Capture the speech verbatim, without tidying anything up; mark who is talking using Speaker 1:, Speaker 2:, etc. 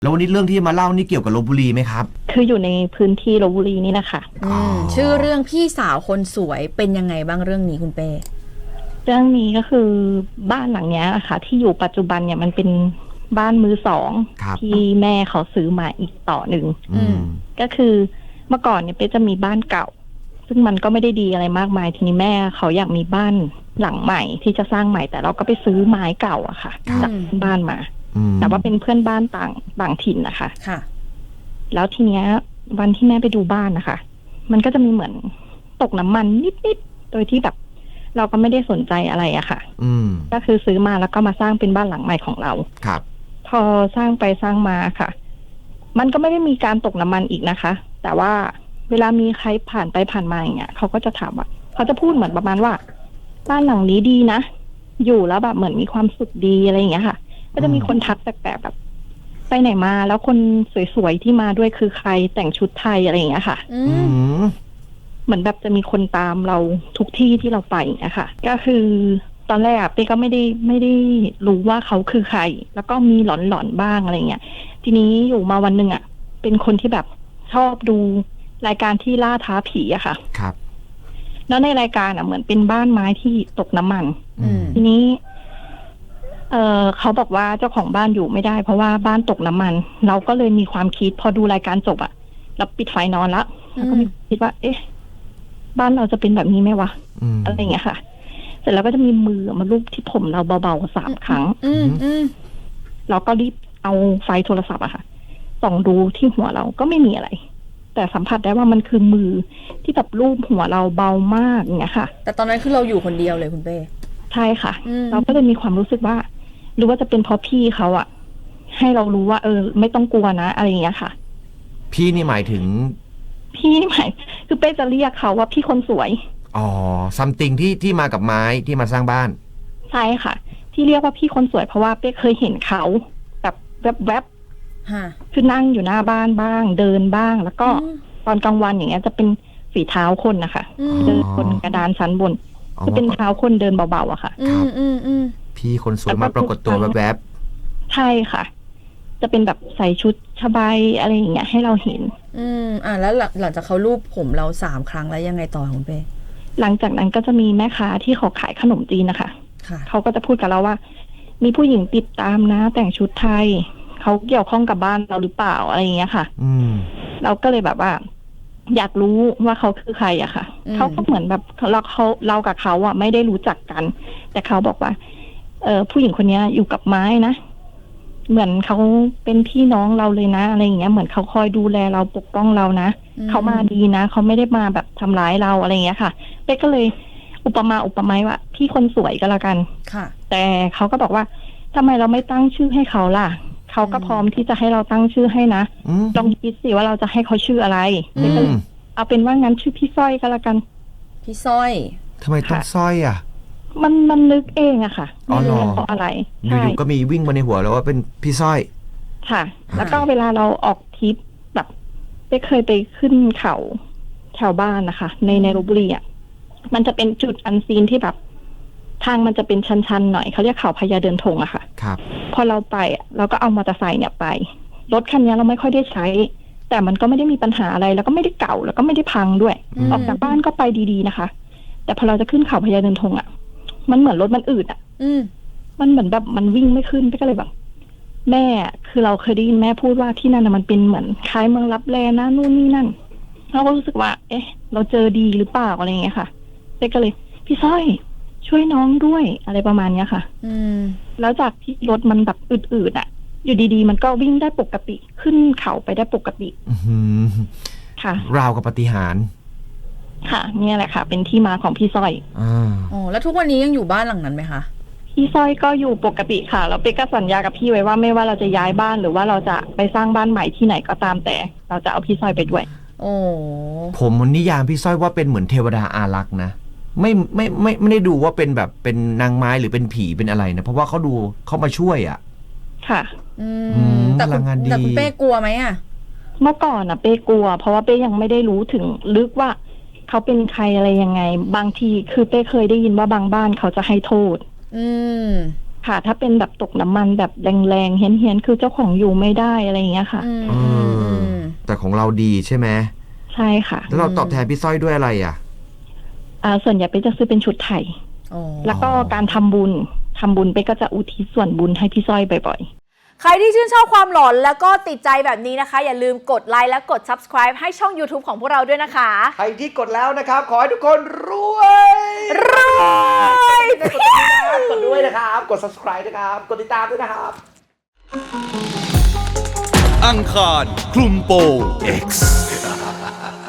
Speaker 1: แล้ววันนี้เรื่องที่มาเล่านี่เกี่ยวกับลพบุรีไหมครับ
Speaker 2: คืออยู่ในพื้นที่ลพบุรีนี่นะคะ
Speaker 3: อืมชื่อเรื่องพี่สาวคนสวยเป็นยังไงบ้างเรื่องนี้คุณเป้
Speaker 2: เรื่องนี้ก็คือบ้านหลังนี้นะคะที่อยู่ปัจจุบันเนี่ยมันเป็นบ้านมือสองที่แม่เขาซื้อมาอีกต่อหนึ่งก็คือเมื่อก่อนเนี่ยเป๊จะมีบ้านเก่าซึ่งมันก็ไม่ได้ดีอะไรมากมายทีนี้แม่เขาอยากมีบ้านหลังใหม่ที่จะสร้างใหม่แต่เราก็ไปซื้อไม้เก่าอะค่ะจากบ้านมาแต่ว่าเป็นเพื่อนบ้านต่างต่างถิ่นนะคะ
Speaker 3: ค่ะ
Speaker 2: แล้วทีเนี้ยวันที่แม่ไปดูบ้านนะคะมันก็จะมีเหมือนตกน้ำมันนิดๆโดยที่แบบเราก็ไม่ได้สนใจอะไรอะค่ะ
Speaker 1: อืม
Speaker 2: ก็คือซื้อมาแล้วก็มาสร้างเป็นบ้านหลังใหม่ของเรา
Speaker 1: ครับ
Speaker 2: พอสร้างไปสร้างมาค่ะมันก็ไม่ได้มีการตกน้ำมันอีกนะคะแต่ว่าเวลามีใครผ่านไปผ่านมาอย่างเงี้ยเขาก็จะถามว่าเขาจะพูดเหมือนประมาณว่าบ้านหลังนี้ดีนะอยู่แล้วแบบเหมือนมีความสุขดีอะไรอย่างเงี้ยค่ะก็จะมีคนทักแปลกๆแบบไปไหนมาแล้วคนสวยๆที่มาด้วยคือใครแต่งชุดไทยอะไรอย่างเงี้ยค่ะ
Speaker 1: อืม
Speaker 2: เหมือนแบบจะมีคนตามเราทุกที่ที่เราไปอย่างเงี้ยค่ะก็คือตอนแรกเป้ก็ไม่ได้ไม่ได้รู้ว่าเขาคือใครแล้วก็มีหลอนๆบ้างอะไรเงี้ยทีนี้อยู่มาวันหนึ่งอ่ะเป็นคนที่แบบชอบดูรายการที่ล่าท้าผีอะค่ะ
Speaker 1: ครับ
Speaker 2: แล้วในรายการอ่ะเหมือนเป็นบ้านไม้ที่ตกน้ำมันทีนี้เออเขาบอกว่าเจ้าของบ้านอยู่ไม่ได้เพราะว่าบ้านตกน้ำมันเราก็เลยมีความคิดพอดูรายการจบอ่ะเราปิดไฟนอนละแล้วก็มีคิดว่าเอ๊ะบ้านเราจะเป็นแบบนี้ไหมวะอะไรอย่างเงี้ยค่ะเสร็จแล้วก็จะมีมือมาลูบที่ผมเราเบาๆสามครั้งเราก็รีบเอาไฟโทรศัพท์อะค่ะส่องดูที่หัวเราก็ไม่มีอะไรแต่สัมผัสได้ว่ามันคือมือที่แบบลูบหัวเราเบามากอย่างเงี้ยค่ะ
Speaker 3: แต่ตอนนั้นคือเราอยู่คนเดียวเลยคุณเป้
Speaker 2: ใช่ค่ะเราก็เลยมีความรู้สึกว่าหรือว่าจะเป็นเพราะพี่เขาอะให้เรารู้ว่าเออไม่ต้องกลัวนะอะไรอย่างเงี้ยค่ะ
Speaker 1: พี่นี่หมายถึง
Speaker 2: พี่นี่หมายคือเป้จะเรียกเขาว่าพี่คนสวย
Speaker 1: อ๋อซัมติงที่ที่มากับไม้ที่มาสร้างบ้าน
Speaker 2: ใช่ค่ะที่เรียกว่าพี่คนสวยเพราะว่าเป้เคยเห็นเขาแบบแวบๆคือนั่งอยู่หน้าบ้านบ้างเดินบ้างแล้วก็ตอนกลางวันอย่างเงี้ยจะเป็นฝีเท้าคนนะคะเดินบนกระดานชั้นบนจะเป็นเท้าคนเดินเบาๆอะค่ะ
Speaker 1: ครับพี่คนสวยมาปรากฏตัวแวบ
Speaker 2: ๆใช่ค่ะจะเป็นแบบใส่ชุดชบายอะไรอย่างเงี้ยให้เราเห็น
Speaker 3: อืมอ่าแล้วหลังจากเขาลูบผมเราสามครั้งแล้วยังไงต่อคุณเป้
Speaker 2: หลังจากนั้นก็จะมีแม่ค้าที่เขาขายขนมจีนนะคะเขาก็จะพูดกับเราว่ามีผู้หญิงติดตามนะแต่งชุดไทยเขาเกี่ยวข้องกับบ้านเราหรือเปล่าอะไรอย่างเงี้ยค่ะ
Speaker 1: อืม
Speaker 2: เราก็เลยแบบว่าอยากรู้ว่าเขาคือใครอะค่ะเขาก็เหมือนแบบเราเขาเรากับเขาอะไม่ได้รู้จักกันแต่เขาบอกว่าเออผู้หญิงคนนี้อยู่กับไม้นะเหมือนเขาเป็นพี่น้องเราเลยนะอะไรอย่างเงี้ยเหมือนเขาคอยดูแลเราปกป้องเรานะเขามาดีนะเขาไม่ได้มาแบบทำร้ายเราอะไรอย่างเงี้ยค่ะเป๊กก็เลยอุปมาอุปไมยว่าพี่คนสวยก็แล้วกัน
Speaker 3: ค่ะ
Speaker 2: แต่เขาก็บอกว่าทำไมเราไม่ตั้งชื่อให้เขาล่ะเขาก็พร้อมที่จะให้เราตั้งชื่อให้นะลองคิดสิว่าเราจะให้เขาชื่ออะไรเป๊กก็เลยเอาเป็นว่างั้นชื่อพี่สร้อยก็แล้วกัน
Speaker 3: พี่สร้อย
Speaker 1: ทำไมต้องสร้อยอ่ะ
Speaker 2: มันมันนึกเองอะค่ะไม่รู้เพราะอะไร
Speaker 1: อยู่ๆก็มีวิ่งมาในหัวแล้วว่าเป็นพี่สร้อย
Speaker 2: ค่ะแล้วก็เวลาเราออกทริปแบบไปเคยไปขึ้นเขาแถวบ้านนะคะในในลพบุรีอะมันจะเป็นจุดอันซีนที่แบบทางมันจะเป็นชันๆหน่อยเขาเรียกเขาพญาเดินธงอะค่ะ
Speaker 1: ครับ
Speaker 2: พอเราไปอะเราก็เอามอเตอร์ไซค์เนี่ยไปรถคันนี้เราไม่ค่อยได้ใช้แต่มันก็ไม่ได้มีปัญหาอะไรแล้วก็ไม่ได้เก่าแล้วก็ไม่ได้พังด้วยออกจากบ้านก็ไปดีๆนะคะแต่พอเราจะขึ้นเขาพญาเดินธงอะมันเหมือนรถมันอืดอ่ะมันเหมือนแบบมันวิ่งไม่ขึ้นก็เลยแบบแม่คือเราเคยได้ยินแม่พูดว่าที่นั่นมันเป็นเหมือนคล้ายเมืองลับแลนะนู่นนี่นั่นเราก็รู้สึกว่าเอ๊ะเราเจอดีหรือเปล่าอะไรอย่างเงี้ยค่ะเป๊กก็เลยพี่สร้อยช่วยน้องด้วยอะไรประมาณเนี้ยค่ะ
Speaker 3: อืม
Speaker 2: แล้วจากที่รถมันแบบอืดๆอ่ะอยู่ดีๆมันก็วิ่งได้ปกติขึ้นเขาไปได้ปกติค่ะ
Speaker 1: ราวกับปาฏิหาริย์
Speaker 2: ค่ะเนี่ยแหละค่ะเป็นที่มาของพี่สร้อย
Speaker 3: อ๋อแล้วทุกวันนี้ยังอยู่บ้านหลังนั้นไหมคะ
Speaker 2: พี่สร้อยก็อยู่ปกติค่ะแล้วเป๊กก็สัญญากับพี่ไว้ว่าไม่ว่าเราจะย้ายบ้านหรือว่าเราจะไปสร้างบ้านใหม่ที่ไหนก็ตามแต่เราจะเอาพี่สร้อยไปด้วย
Speaker 3: โอ้
Speaker 1: ผมนิยามพี่สร้อยว่าเป็นเหมือนเทวดาอารักษ์นะไม่ไม่ไม่ไม่ได้ดูว่าเป็นแบบเป็นนางไม้หรือเป็นผีเป็นอะไรนะเพราะว่าเขาดูเขามาช่วยอ่ะ
Speaker 2: ค่ะ
Speaker 3: อืมแต่คุณแต่คุณเป้กลัวไหมอ่ะ
Speaker 2: เมื่อก่อนอ่ะเป้กลัวเพราะว่าเป้ยังไม่ได้รู้ถึงลึกว่าเขาเป็นใครอะไรยังไงบางทีคือเป้เคยได้ยินว่าบางบ้านเขาจะให้โทษ
Speaker 3: อืม
Speaker 2: ค่ะ ถ้าเป็นแบบตกน้ำมันแบบแรงๆเฮี้ยนๆคือเจ้าของอยู่ไม่ได้อะไรอย่างเงี้ยค่ะ
Speaker 3: อืม
Speaker 1: เอ
Speaker 3: อืม
Speaker 1: อ
Speaker 3: อืม
Speaker 1: แต่ของเราดีใช่ไหม
Speaker 2: ใช่ค่ะ
Speaker 1: แล้วเราตอบแทนพี่สร้อยด้วยอะไรอ่ะ
Speaker 2: อ่าส่วนใหญ่ไปจะซื้อเป็นชุดไทย
Speaker 3: อ๋อ
Speaker 2: แล้วก็การทำบุญทำบุญไปก็จะอุทิศส่วนบุญให้พี่สร้อยบ่อย
Speaker 4: ใครที่ชื่นชอบความหลอนแล้วก็ติดใจแบบนี้นะคะ อย่าลืมกดไลค์และกด subscribe ให้ช่อง YouTube ของพวกเราด้วยนะคะ
Speaker 1: ใครที่กดแล้วนะครับ ขอให้ทุกคนรวย
Speaker 4: รวย
Speaker 1: กดด้วยนะครับกดด้วยนะครับ กด subscribe นะครับ กดติดตามด้วยนะครับ
Speaker 5: อังคารคลุมโปง X